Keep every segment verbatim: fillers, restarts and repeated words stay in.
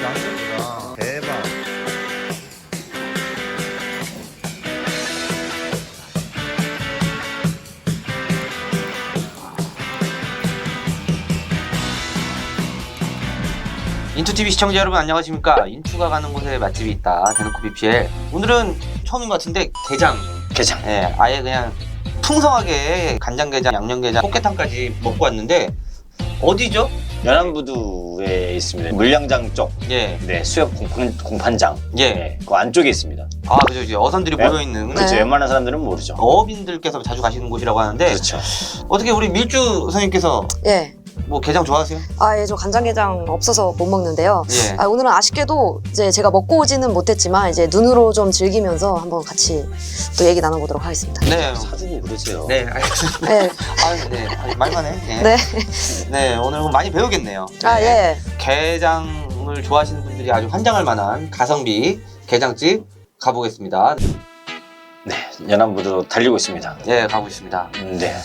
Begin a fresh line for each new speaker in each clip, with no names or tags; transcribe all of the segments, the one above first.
양념이구나. 대박.
인투티비 시청자 여러분 안녕하십니까. 인투가 가는 곳에 맛집이 있다. 대놓고 비피엘. 오늘은 처음인 것 같은데 게장.
게장.
예, 아예 그냥 풍성하게 간장게장, 양념게장, 꽃게탕까지 먹고 왔는데 어디죠?
연안부두에 있습니다. 물량장 쪽.
예,
네, 수협 공판, 공판장.
예.
네, 그 안쪽에 있습니다.
아 그죠, 이제 어선들이
네.
모여 있는.
그렇죠.
네.
웬만한 사람들은 모르죠.
어업인들께서 자주 가시는 곳이라고 하는데
그렇죠.
어떻게 우리 밀주 선생님께서
예.
뭐 게장 좋아하세요?
아, 예, 저 간장게장 없어서 못 먹는데요.
예.
아, 오늘은 아쉽게도 이제 제가 먹고 오지는 못했지만 이제 눈으로 좀 즐기면서 한번 같이 또 얘기 나눠보도록 하겠습니다.
네.
사진이 그러세요.
네, 알겠습니다.
네.
아, 네. 아, 말만 해. 예.
네.
네, 오늘 많이 배우겠네요.
아, 예.
게장을 좋아하시는 분들이 아주 환장할 만한 가성비 게장집 가보겠습니다.
네, 연안부두 달리고 있습니다.
예, 가고 있습니다.
음, 네.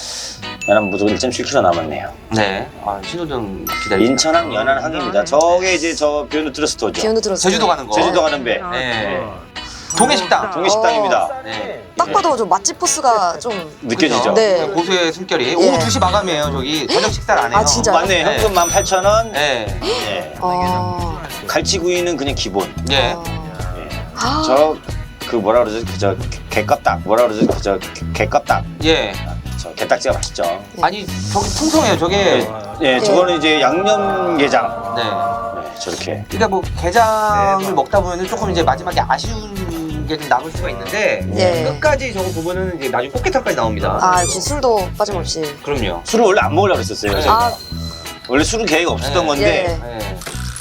연안부두 일 점 칠 킬로미터 남았네요.
네, 아, 신호등 기다리고.
인천항 연안항입니다. 저게 이제 저 비욘드 스토어죠.
비욘드 들었어요.
제주도 가는 거.
제주도 가는 배.
네. 동해식당.
동해식당입니다.
네.
딱 봐도 좀 맛집 포스가 좀.
느껴지죠?
네.
고수의 숨결이.
예.
오후 두 시 마감이에요, 저기. 저녁 식사를 안 해요.
아, 진짜요?
맞네.
네.
현금 만 팔천 원.
네.
네.
어.
갈치구이는 그냥 기본.
예.
어.
네.
아.
저 그 뭐라 그러죠? 그저 개껍닭. 뭐라 그러죠? 그저 개껍닭.
예.
저 개딱지가 맛있죠.
아니, 저기 풍성해요, 저게.
예, 저거는 이제 양념게장.
네.
네, 저렇게.
그러니까 뭐 게장을 먹다 보면은 조금 이제 마지막에 아쉬운 게 좀 남을 수가 있는데
예.
끝까지 저거 보면은 이제 나중에 꽃게탕까지 나옵니다.
아, 역시 술도 빠짐없이.
그럼요.
술을 원래 안 먹으려고 했었어요.
네.
저희가.
아,
원래 술은 계획이 없었던
네.
건데
예.
네.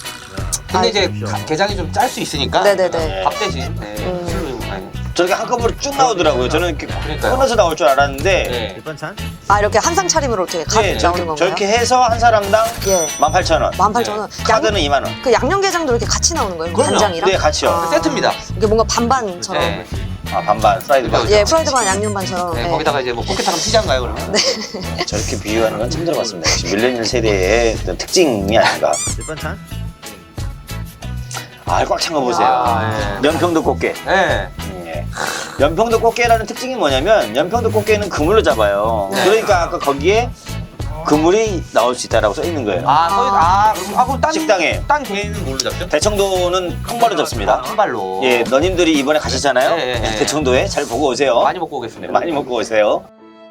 근데 이제 가- 게장이 좀 짤 수 있으니까
네네네.
밥 대신 네.
음.
술로 네.
저렇게 한꺼번에 쭉 나오더라고요. 저는 이렇게
그러니까요.
끊어서 나올 줄 알았는데
네.
밑반찬?
아, 이렇게 한상 차림으로 이렇게 갓
네,
나오는
저렇게,
건가요?
저렇게 해서 한 사람당
예.
만 팔천 원.
만 팔천 원.
카드는 이만 원.
그 양념게장도 이렇게 같이 나오는 거예요?
그럼요.
간장이랑?
네, 같이요.
아.
세트입니다.
이게 뭔가 반반처럼.
네.
아, 반반 프라이드 반.
예, 프라이드 반 양념 반처럼.
네,
예.
거기다가 이제 뭐 꽃게탕은 피자인가요 그러면?
네.
저렇게 비유하는 건 처음 들어봤습니다. 역시 밀레니얼 세대의 어떤 특징이 아닌가.
밑반찬?
아, 꽉 찬 거 보세요.
아, 예.
연평도 꽃게.
네.
음, 예. 연평도 꽃게라는 특징이 뭐냐면 연평도 꽃게는 그물로 잡아요.
네.
그러니까 아까 거기에 그물이 나올 수 있다라고 써 있는 거예요.
아, 서 아, 그럼 아, 그럼 딴
식당에.
딴 개는 뭘로 잡죠?
대청도는 통발로 잡습니다.
한 발로.
예, 너님들이 이번에 가셨잖아요.
예, 예, 예.
대청도에 잘 보고 오세요.
많이 먹고 오겠습니다.
많이 먹고 오세요.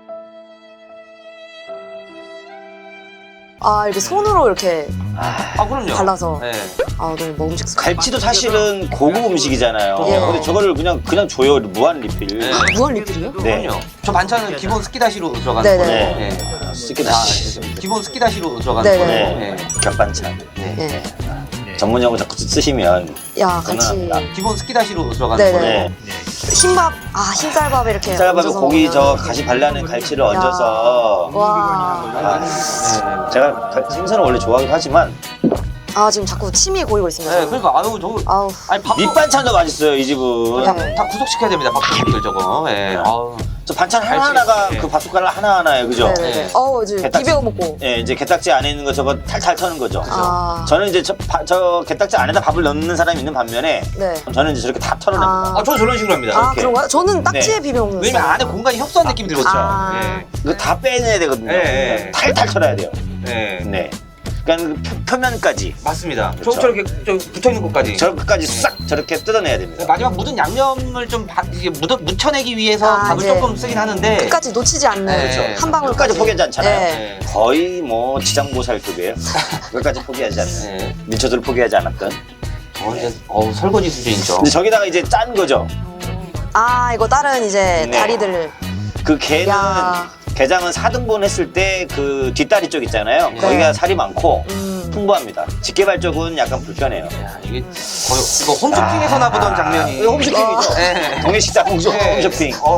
아, 이렇게 손으로 이렇게
아,
아, 그럼요.
발라서.
네.
아, 너무 먹음직스럽다.
갈치도 사실은 고급 음식이잖아요.
예.
근데 저거를 그냥 그냥 줘요. 무한 리필.
네.
무한 리필이요?
네.
그럼요. 저 반찬은 기본 스키다시로 들어가는
네네.
거예요.
네.
네.
쓰기다.
아, 기본 스키다시로 들어가는
네네.
거예요.
네.
네.
겹반찬.
네.
예.
네. 전문 용어 자꾸 쓰시면
야, 같이.
그거는
기본 스키다시로 들어가는
네네.
거예요.
네.
흰밥, 아, 흰쌀밥에 이렇게.
쌀밥에
얹어서
고기 저
먹으면.
가시 발라낸 갈치를
야.
얹어서
와.
아, 제가 가- 생선을 원래 좋아하긴 하지만
아, 지금 자꾸 침이 고이고 있습니다.
네, 그러니까 아유 저
아우.
아니 밥
밑반찬도 맛있어요 이 집은.
다,
네.
다 구속시켜야 됩니다. 밥들 저거. 예. 아우.
저 반찬 하나하나가
갈치.
그 밥숟가락 하나하나예요, 그죠?
네네네.
네.
어우, 이제
개딱지.
비벼 먹고.
예, 이제 게딱지 안에 있는 거 저거 탈탈 터는 거죠.
아.
저는 이제 저, 바- 저 게딱지 안에다 밥을 넣는 사람이 있는 반면에
네.
저는 이제 저렇게 다 털어냅니다.
아.
아, 저는 저런 식으로 합니다.
아,
이렇게.
그런가요? 저는 딱지에
네.
비벼 먹는
왜냐면
스타일.
안에 공간이 협소한 느낌이 들거든요.
아.
예.
이거 다 빼내야 되거든요.
네.
탈탈 털어야 돼요.
네.
네. 그러니까 그 표, 표면까지
맞습니다.
그렇죠.
저 저렇게 저 붙어 있는 것까지.
저까지 싹 저렇게 뜯어내야 됩니다.
마지막 묻은 양념을 좀 바, 이게 묻어, 묻혀내기 위해서
아,
밥을
이제
조금 쓰긴 하는데.
끝까지 놓치지 않는
네.
한 방울까지.
끝까지 포기하지 않잖아요.
네.
네.
거의 뭐 지장보살급이에요. 끝까지 포기하지 않는.
네.
민초들 포기하지 않았던.
저 이제 어우 설거지 수준이죠.
근데 저기다가 이제 짠 거죠.
아, 이거 다른 이제
네.
다리들.
그 게는
야.
게장은 사 등분 했을 때 그 뒷다리 쪽 있잖아요.
네.
거기가 살이 많고
음.
풍부합니다. 집게발 쪽은 약간 불편해요.
야, 이게 거의 이거 홈쇼핑에서나 보던 장면이.
이거 홈쇼핑이죠.
네.
동해식당 홈쇼,
네.
홈쇼핑.
어.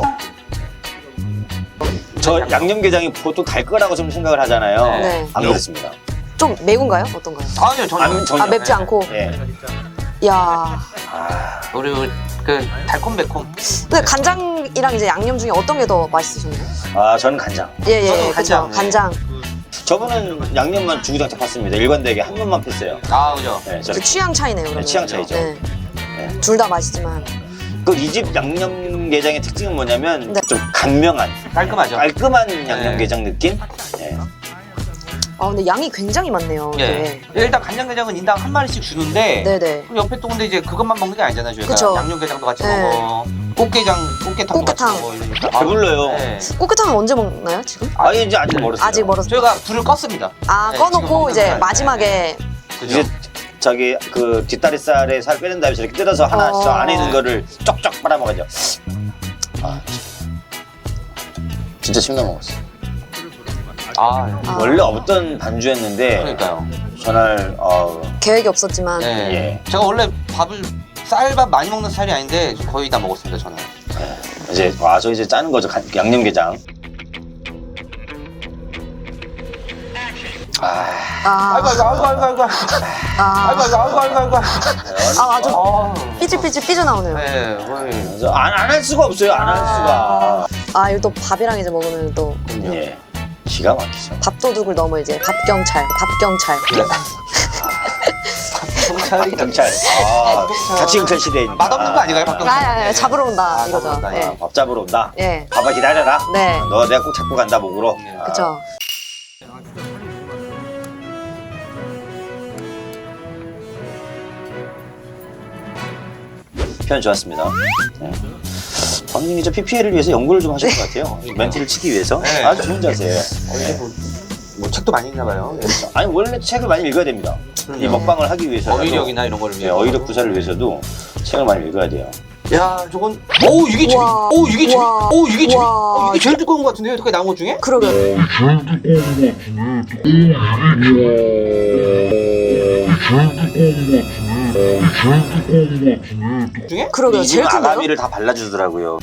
저 양념게장이 보통 갈 거라고 좀 생각을 하잖아요.
네.
안 그렇습니다.
좀 매운가요? 어떤가요?
아니요 전혀.
안, 전혀.
아, 맵지 않고.
예.
야.
아,
우리 그 달콤매콤.
근데 간장이랑 이제 양념 중에 어떤 게 더 맛있으셨나요?
아, 저는 간장.
예, 예,
저도
예. 그쵸.
간장, 네.
간장.
저분은 양념만 주구장창 팠습니다. 일관되게 한 번만 폈어요.
아 그죠.
네,
그
저렇게.
취향 차이네요. 그러면.
네, 취향 차이죠.
네.
네.
둘 다 맛있지만.
그 이 집 양념게장의 특징은 뭐냐면
네.
좀 간명한,
깔끔하죠.
깔끔한 양념게장 느낌? 네.
아 근데 양이 굉장히 많네요.
예.
네.
일단 간장게장은 인당 한 마리씩 주는데
네네.
그럼 옆에 또 근데 이제 그것만 먹는 게 아니잖아요. 저희가
그쵸.
양념게장도 같이
네.
먹어. 꽃게장, 꽃게탕도
꽃게탕.
같이 먹어. 이러니까.
배불러요.
네.
꽃게탕은 언제 먹나요 지금?
아, 이제 아직 멀었어요.
아직 멀었어요.
저희가 불을 껐습니다.
아
네, 지금
꺼놓고
먹는
이제
거예요.
마지막에
그죠?
이제 저기 그 뒷다리살에 살 빼는 다음에 저렇게 뜯어서 하나
어.
저 안에 있는 거를 쪽쪽 빨아먹어야죠. 아, 진짜 침 넘어갔어.
아, 네.
아.
원래 없던 반주였는데
그러니까요.
전날 어,
계획이 없었지만
네.
예.
제가 원래 밥을 쌀밥 많이 먹는 스타일이 아닌데 거의 다 먹었습니다. 저는.
이제 와서 이제 짜는 거죠. 간- 양념게장. 아,
아,
아이고 아이고 아이고 아이고 아이고
아,
아이고 아이고 아이고 아이고.
아 아주
아.
삐질삐질 삐져나오네요.
네. 거의.
안 할 수가 없어요. 안 할 수가.
아 이거 또 밥이랑 이제 먹으면 또
예, 기가 막히죠.
밥도둑을 넘어 이제 밥경찰, 밥경찰.
경찰이
경찰. 아, 같이 경찰 시대입니다.
맛없는 거 아닌가요, 박
아,
경찰?
아, 아, 잡으러 온다
아,
이거죠.
잡으러 온다,
예.
밥 잡으러 온다.
예.
봐봐 기다려라.
네.
너 내가 꼭 잡고 간다 목으로.
네.
아,
그쵸.
표현 좋았습니다. 네. 본인이 저 피피엘을 위해서 연구를 좀 하신 것 같아요. 멘트를 치기 위해서.
네.
아주 좋은 자세예요.
거의 뭐, 뭐 책도 많이 읽나 봐요. 네.
아니 원래 책을 많이 읽어야 됩니다. 이
그럼요.
먹방을 하기 위해서
어휘력이나 이런 거를
네, 어휘력 구사를 위해서도 책을 많이 읽어야 돼요.
야, 저건 오 이게 제일
우와.
오 이게 제일
우와.
오 이게 제일
우와.
어, 이게 제일 두꺼운 것 같은데요. 여태까지 나온 것 중에?
그러게.
중에?
그러게요.
이
제일
집은
큰데요?
아가미를 다 발라주더라고요.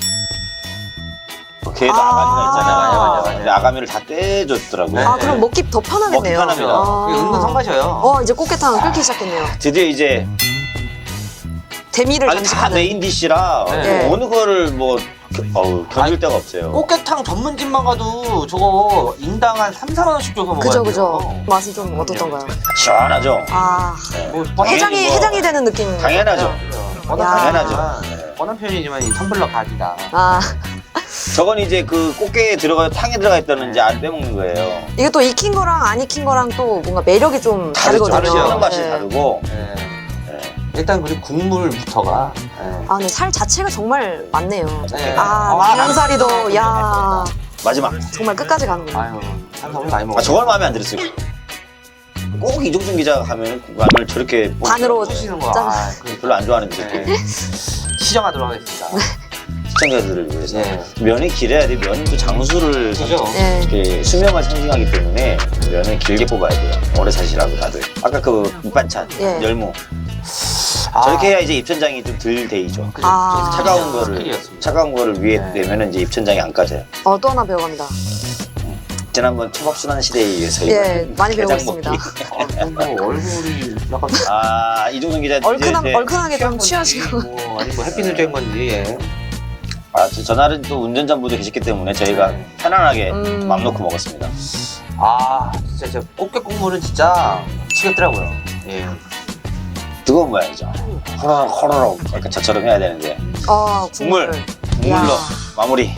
걔도
아.
아가미가 있잖아요.
맞아, 맞아, 맞아.
근데 아가미를 다 떼줬더라고요.
네.
아 그럼 먹기 더 편하겠네요.
먹기 편합니다.
아.
그게 은근 성가셔요.
어 이제 꽃게탕 끓기 시작했네요.
드디어 이제
대미를
아니 다
장식하는.
메인 디시라
네.
어느 거를 뭐 겨- 어우, 견딜 데가 없어요.
꽃게탕 전문집만 가도 저거 인당 한 삼, 사만 원씩 줘서 먹어야
그죠
돼요.
그죠. 맛이 좀 어떻던가요?
시원하죠.
아
네.
뭐 뻔한
해장이
뭐-
해장이 되는 느낌.
당연하죠.
뻔한
야.
당연하죠.
표현이지만,
네.
뻔한 표현이지만 이 텀블러 각이다.
아
저건 이제 그 꽃게에 들어가 탕에 들어가 있다는 이제 알 빼먹는 거예요.
이게 또 익힌 거랑 안 익힌 거랑 또 뭔가 매력이 좀
다르죠.
다르거든요.
다르죠. 하는 맛이
네.
다르고.
네.
네.
일단 그리고 국물부터가 네.
아 근데 살 자체가 정말 많네요.
네.
아
아,
양살이도 야
마지막.
정말 끝까지 가는군요.
아유 탄수화물 많이 먹어.
아 저걸 마음에 안 들었어요. 꼭 이종준 기자가 가면 라면을 저렇게
반으로
푸시는 거.
짠.
아, 그
별로 안 좋아하는 새끼.
네. 시정하도록 하겠습니다.
시청자들을 위해서
네.
면이 길어야 돼. 면은 또 장수를
그죠?
네.
이렇게 수명을 상징하기 때문에 면을 길게 뽑아야 돼요. 오래 사시라고 다들. 아까 그 밑반찬
예.
열무
아,
저렇게 해야 이제 입천장이 좀 덜 데이죠.
그죠?
아.
저
차가운
스킬이었-
거를
스킬이었습니다.
차가운 거를 위에
네.
내면은 이제 입천장이 안 까져요.
어 또 하나 배워갑니다.
지난번 초밥순환 시대에 의해서
예 많이 배우고
게장
있습니다.
먹기.
아, 뭐 얼굴이 약간
아 이종준 기자
얼큰한
네.
얼큰하게 좀
취한 건지,
취하시고.
뭐 아니 뭐 햇빛을 쬐은 건지. 예.
아, 저- 전날은 또 운전자분도 계셨기 때문에 저희가
네.
편안하게
음.
맘 놓고 먹었습니다.
아 진짜 저 꽃게 국물은 진짜 미치겠더라고요. 예.
뜨거운 모양이죠. 호로록 호로록 약간 저처럼 해야 되는데
어
국물.
국물.
국물로
야.
마무리.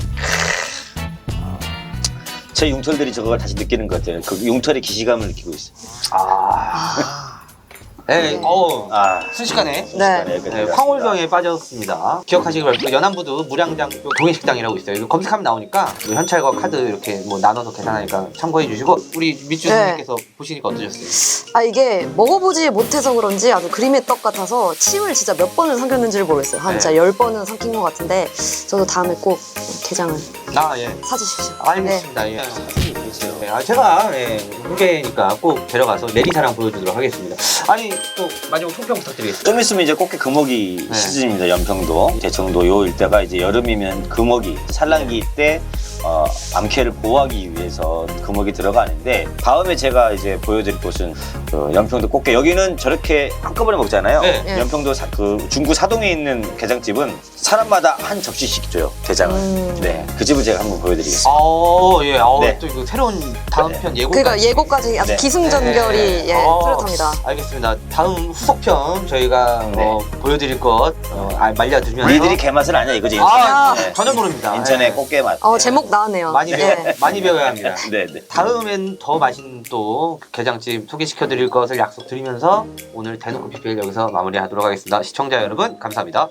제 융털들이 저걸 다시 느끼는 것 같아요. 그 융털의 기시감을 느끼고 있어요.
아. 네,
네.
어
아,
순식간에
순식간에
네.
여기까지
네,
왔습니다.
황홀병에 빠졌습니다. 기억하시기 바랍니다. 연안부두 무량장교 동해식당이라고 있어요. 이거 검색하면 나오니까 뭐 현찰과 카드 이렇게 뭐 나눠서 계산하니까 참고해 주시고 우리 밑주
네.
선생님께서 보시니까 어떠셨어요?
아 이게 먹어보지 못해서 그런지 아주 그림의 떡 같아서 침을 진짜 몇 번을 삼켰는지를 모르겠어요. 한
네.
진짜 열 번은 삼킨 것 같은데 저도 다음에 꼭 게장을
아 예.
사주십시오.
알겠습니다. 예. 네, 아, 제가 예, 후배니까 꼭 데려가서 내리사랑 보여주도록 하겠습니다. 아니 또 마지막 총평 부탁드리겠습니다.
좀 있으면 이제 꽃게 금어기
네.
시즌입니다. 연평도, 대청도 요 일대가 이제 여름이면 금어기, 산란기 때 어, 암캐를 보호하기 위해서 금옥이 들어가는데 다음에 제가 이제 보여드릴 곳은 그 연평도 꽃게 여기는 저렇게 한꺼번에 먹잖아요.
네.
네.
연평도 사, 그 중구 사동에 있는 게장집은 사람마다 한 접시씩 줘요 게장을.
음.
네, 그 집을 제가 한번 보여드리겠습니다.
어, 예. 어,
네.
또 이거 새로운 다음
네.
편 예고.
그러니까 예고까지 아주
네.
기승전결이
네.
예,
어,
뚜렷합니다.
알겠습니다. 다음 후속편 저희가
네.
어, 보여드릴 것 어, 아, 말려두면서.
니들이 개맛을 아냐 이거지.
아,
네.
전혀 모릅니다.
인천의
네.
꽃게 맛.
어 제목 나왔네요.
많이 배워,
예.
많이 배워야 합니다.
네, 네.
다음엔 더 맛있는 또 게장집 소개시켜드릴 것을 약속드리면서 오늘 대놓고 피피엘 여기서 마무리하도록 하겠습니다. 시청자 여러분 감사합니다.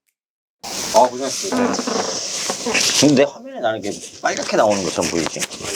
아, 고생하셨습니다. 근데 화면에 나는 게 빨갛게 나오는 것처럼 보이지?